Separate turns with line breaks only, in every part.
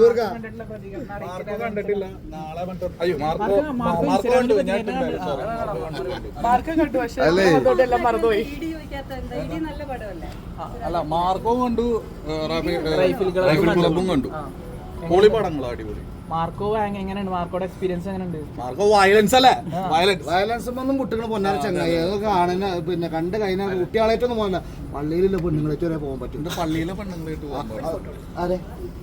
കണ്ടിട്ടില്ല. നാളെ അയ്യോ മാർക്കോ കണ്ടു. അല്ല മാർക്കോ കണ്ടു, റൈഫിൾ ക്ലബും കണ്ടു. പൊളി പടങ്ങളാ, അടിപൊളി.
മാർക്കോ എങ്ങനെയുണ്ട്? മാർക്കോയുടെ എക്സ്പീരിയൻസ് എങ്ങനെയുണ്ട്?
മാർക്കോ വയലൻസ് അല്ലേ?
വയലൻസ് ഒന്നും കുട്ടികൾ പൊന്നാര ചങ്ങായി അത് കാണുന്ന പിന്നെ കണ്ട് കഴിഞ്ഞാൽ കുട്ടികളായിട്ടൊന്നും പോകില്ല. പള്ളിയിലുള്ള പെണ്ണുങ്ങളായിട്ട് വരെ പോകാൻ പറ്റും.
പള്ളിയിലെ പെണ്ണുങ്ങളായിട്ട്
അതെ.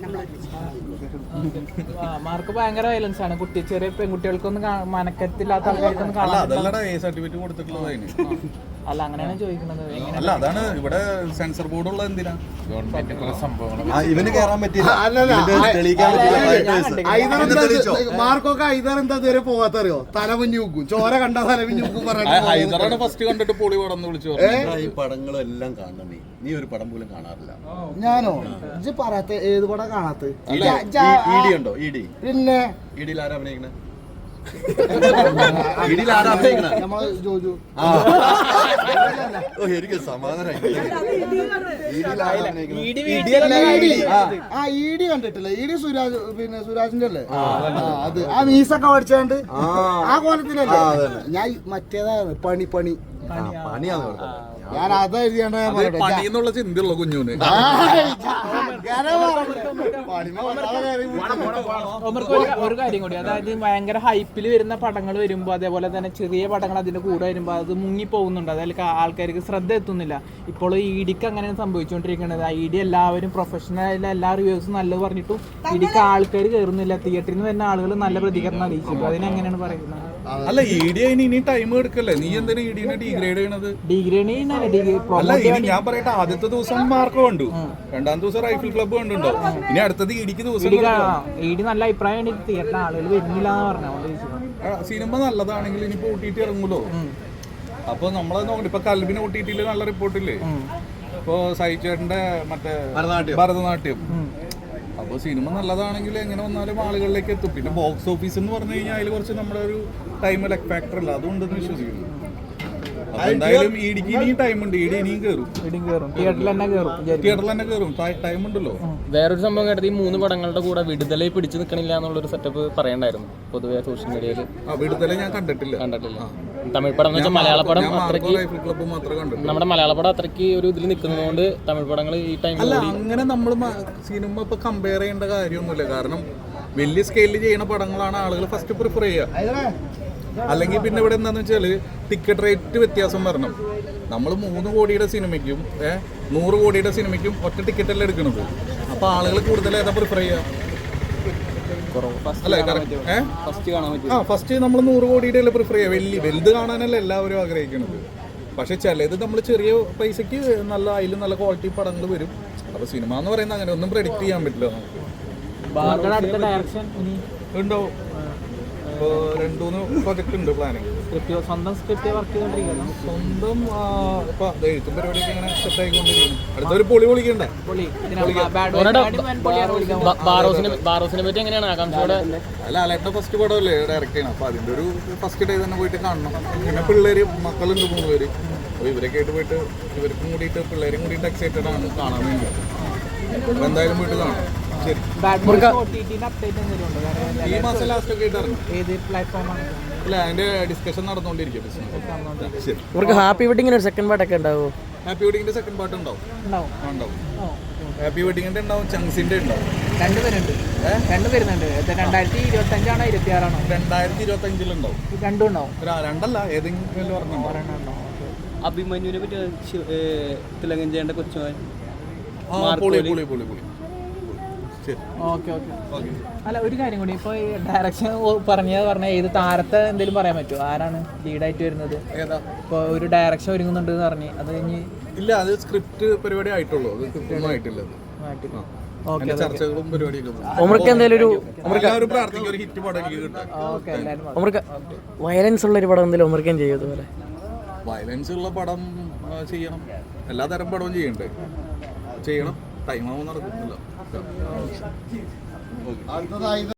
മാർക്ക് ഭയങ്കര വയലൻസ് ആണ്. ചെറിയ പെൺകുട്ടികൾക്കൊന്നും മനക്കത്തില്ലാത്ത ആൾക്കാർക്കൊന്നും
സർട്ടിഫിക്കറ്റ് കൊടുത്തിട്ടുള്ളത് അതിന്.
അല്ല, അങ്ങനെയാണ് ചോദിക്കുന്നത്.
അല്ല, അതാണ് ഇവിടെ സെൻസർ ബോർഡ് ഉള്ളത്. എന്തിനാ
ഇവന് കേറാൻ പറ്റില്ല.
മാർക്കൊക്കെ ഐതർ എന്താ ഇതുവരെ പോകാത്തറിയോ? തലമുഞ്ഞു നോക്കും, ചോര കണ്ട തലമുഞ്ഞു നോക്കും.
ഹൈദറാണ് ഫസ്റ്റ് കണ്ടിട്ട് പൊളി പടം വിളിച്ചു.
ഈ പടങ്ങളെല്ലാം കാണണം. നീ ഒരു പടം പോലും കാണാറില്ല.
ഞാനോ? ഇജ്ജ് പറയാത്ത ഏത് പടം കാണാത്ത?
ഇഡി ഉണ്ടോ? ഇഡി
പിന്നെ
ഇഡിയിൽ ആരാ അഭിനയിക്കണേ? എനിക്ക് സമാധാനം.
ഇഡി കണ്ടിട്ടില്ല. ഇഡി സുരാജ്, പിന്നെ സുരാജിന്റെ അല്ലേ അത്? ആ മീസൊക്കെ പഠിച്ചാണ്ട് ആ കോലത്തിലല്ലേ? ഞാൻ മറ്റേതാണ് പണി. ഞാൻ അതാ
പണിന്നുള്ള ചിന്തയുള്ള കുഞ്ഞുന്.
ഒരു കാര്യം കൂടി, അതായത് ഭയങ്കര ഹൈപ്പിൽ വരുന്ന പടങ്ങൾ വരുമ്പോൾ, അതേപോലെ തന്നെ ചെറിയ പടങ്ങൾ അതിന്റെ കൂടെ വരുമ്പോൾ അത് മുങ്ങി പോകുന്നുണ്ട്. അതിൽ ആൾക്കാർക്ക് ശ്രദ്ധ എത്തുന്നില്ല. ഇപ്പോൾ ഇഡിക്ക് അങ്ങനെയാണ് സംഭവിച്ചുകൊണ്ടിരിക്കുന്നത്. ഇഡി എല്ലാവരും പ്രൊഫഷണൽ, എല്ലാ റിവ്യൂസും നല്ലത് പറഞ്ഞിട്ടും ഇഡിക്ക് ആൾക്കാർ കയറുന്നില്ല. തിയേറ്ററിൽ നിന്ന് വരുന്ന ആളുകൾ നല്ല പ്രതികരണം അറിയിച്ചു. അതിനെങ്ങനെയാണ് പറയുന്നത്?
അല്ല, ഇഡി ഇനി ടൈം എടുക്കല്ലേ? നീ എന്തിനാ ഇഡിനെ ഡീഗ്രേഡ് ചെയ്യണത്? അല്ല, ഇനി ഞാൻ പറയട്ടെ, ആദ്യത്തെ ദിവസം മാർക്കോ കണ്ടു, രണ്ടാം ദിവസം റൈഫിൾ ക്ലബ്ബ് കണ്ടുണ്ടോ, ഇനി അടുത്തത് ഇടിക്ക് ദിവസം.
ഇഡി നല്ല അഭിപ്രായമാണ് തിയേറ്ററിൽ ആളുകൾ വരുന്നില്ല എന്ന് പറഞ്ഞു.
സിനിമ നല്ലതാണെങ്കിൽ ഇനിയിപ്പോ OTT ഇറങ്ങുമല്ലോ. അപ്പൊ നമ്മളത് നോക്കണ്ട. ഇപ്പൊ കൽബിന് OTT നല്ല റിപ്പോർട്ടില്ലേ? ഇപ്പൊ സൈചേട്ടന്റെ മറ്റേ ഭരതനാട്യം. അപ്പൊ സിനിമ നല്ലതാണെങ്കിൽ എങ്ങനെ വന്നാലും ആളുകളിലേക്ക് എത്തും. പിന്നെ ബോക്സ് ഓഫീസ് എന്ന് പറഞ്ഞു കഴിഞ്ഞാൽ അതിൽ കുറച്ച് നമ്മുടെ ഒരു ടൈം ലെക്ക് ഫാക്ടർ അല്ല, അതുകൊണ്ടെന്ന് വിശ്വസിക്കുന്നു. എന്തായാലും ഇടിക്ക് ഇനിയും ടൈം ഉണ്ട്. ഇടി ഇനിയും കയറും.
തിയേറ്ററിൽ
തന്നെ കയറും. ടൈം ഉണ്ടല്ലോ.
വേറൊരു സംഭവം കേട്ടത്, ഈ 3 പടങ്ങളുടെ കൂടെ വിടുതലയിൽ പിടിച്ചു നിൽക്കണില്ല എന്നുള്ളൊരു സെറ്റപ്പ് പറയണ്ടായിരുന്നു പൊതുവെ സോഷ്യൽ മീഡിയയിൽ.
വിടുതല ഞാൻ കണ്ടിട്ടില്ല.
തമിഴ് പടം എന്ന് വെച്ചാൽ മലയാള പടം അത്രയ്ക്ക്,
നമ്മുടെ
മലയാള പടം അത്രയ്ക്ക് ഒരു ഇതിൽ നിൽക്കുന്നതുകൊണ്ട് തമിഴ് പടങ്ങൾ ഈ ടൈമിൽ.
അല്ല, അങ്ങനെ നമ്മൾ സിനിമ ഇപ്പൊ കമ്പയർ ചെയ്യേണ്ട കാര്യമൊന്നുമില്ല. കാരണം വലിയ സ്കെയിലിൽ ചെയ്യുന്ന പടങ്ങളാണ് ആളുകൾ ഫസ്റ്റ് പ്രിഫർ ചെയ്യുക. അല്ലെങ്കിൽ പിന്നെ ഇവിടെ എന്താണെന്ന് വെച്ചാൽ ടിക്കറ്റ് റേറ്റ് വ്യത്യാസം വരണം. നമ്മൾ 3 കോടിയുടെ സിനിമയ്ക്കും 100 കോടിയുടെ സിനിമയ്ക്കും ഒറ്റ ടിക്കറ്റല്ലേ എടുക്കുന്നത്. അപ്പോൾ ആളുകൾ കൂടുതൽ ഏതാ പ്രിഫർ ചെയ്യുക? അല്ലേ? ഫസ്റ്റ് നമ്മൾ 100 കോടിയുടെ അല്ലേ പ്രിഫർ ചെയ്യുക? വലുത് കാണാനല്ല എല്ലാവരും ആഗ്രഹിക്കുന്നത്. പക്ഷെ ചിലത് നമ്മൾ ചെറിയ പൈസക്ക് അതിൽ നല്ല ക്വാളിറ്റി പടങ്ങൾ വരും. അപ്പോൾ സിനിമ എന്ന് പറയുന്നത് അങ്ങനെ ഒന്നും പ്രെഡിക്റ്റ് ചെയ്യാൻ പറ്റില്ല നമുക്ക്. ഉണ്ടോ? ഇപ്പോൾ 2-3 പ്രൊജക്ട് ഉണ്ട് പ്ലാനിങ്.
സ്വന്തം സ്ക്രിപ്റ്റ് വർക്ക് ചെയ്തോണ്ടിരിക്കുന്നു.
സ്വന്തം ഇപ്പൊ എഴുത്തും പരിപാടിയൊക്കെ ഇങ്ങനെ സെറ്റ് ആയിക്കൊണ്ടിരിക്കുന്നു. അടുത്തൊരു പൊളി പൊളിക്കണ്ടേ?
ബാറോസിനെ പറ്റി എങ്ങനെയാണ് ആകാംക്ഷയോടെ?
അല്ല, അലേട്ടൻ്റെ ഫസ്റ്റ് പടമല്ലേ ഡയറക്റ്റ് ചെയ്യണം. അപ്പൊ അതിന്റെ ഒരു ഫസ്റ്റ് ഡേ തന്നെ പോയിട്ട് കാണണം. പിന്നെ പിള്ളേര് മക്കളുണ്ട് 3 പേര്. അപ്പോൾ ഇവരൊക്കെ ആയിട്ട് പോയിട്ട് ഇവർക്കും കൂടിയിട്ട് പിള്ളേരും കൂടിയിട്ട് എക്സൈറ്റഡ് ആണ് കാണാൻ വേണ്ടി. അപ്പൊ എന്തായാലും പോയിട്ട് കാണാം. ശരി. ഈ മാസം ലാസ്റ്റ് ഒക്കെ ആയിട്ട് ഇറങ്ങും. അല്ല, അതിന്റെ ഡിസ്കഷൻ നടന്നുകൊണ്ടിരിക്കും.
ഹാപ്പി വെഡിങ്ങിന് സെക്കൻഡ് പാർട്ടൊക്കെ ഉണ്ടാവും.
ഹാപ്പി വെഡിങ്ങിന്റെ സെക്കൻഡ് പാർട്ട് ഉണ്ടാവും. ഹാപ്പി വെഡിങ്ങിന്റെ ഉണ്ടാവും, ചങ്സിന്റെ ഉണ്ടാവും.
2 വരുന്നുണ്ട്. 2025 ആണോ 26 ആണോ?
2025 ഉണ്ടാവും.
2 ഉണ്ടാവും.
2 അല്ല, ഏതെങ്കിലും ഒരെണ്ണം.
അഭിമന്യുവിനെ പറ്റി തിലകൻ ചെയ്യേണ്ട കൊച്ചുമോൻ.
ഓക്കെ. അല്ല, ഒരു കാര്യം കൂടി, ഇപ്പോൾ ഡയറക്ഷൻ പറഞ്ഞ ഏത് താരത്തെ എന്തെങ്കിലും പറയാൻ പറ്റുമോ? ആരാണ് ലീഡായിട്ട് വരുന്നത്? ഇപ്പോൾ ഒരു ഡയറക്ഷൻ ഒരുങ്ങുന്നുണ്ട് എന്ന് പറഞ്ഞ് അത് കഴിഞ്ഞ്
ഇല്ല, അത് സ്ക്രിപ്റ്റ് പരിപാടി ആയിട്ടുള്ളൂ. അത് കൃത്യമായിട്ടില്ല. ചർച്ചകളും പരിപാടിയൊക്കെ.
വയലൻസ് ഉള്ള ഒരു പടം എന്തെങ്കിലും ഒമർക്കാൻ ചെയ്യുമോ?
വയലൻസ് ഉള്ള പടം ചെയ്യണം. എല്ലാ തരം പടവും ചെയ്യണം. ടൈമാവും നടക്കുന്നില്ല.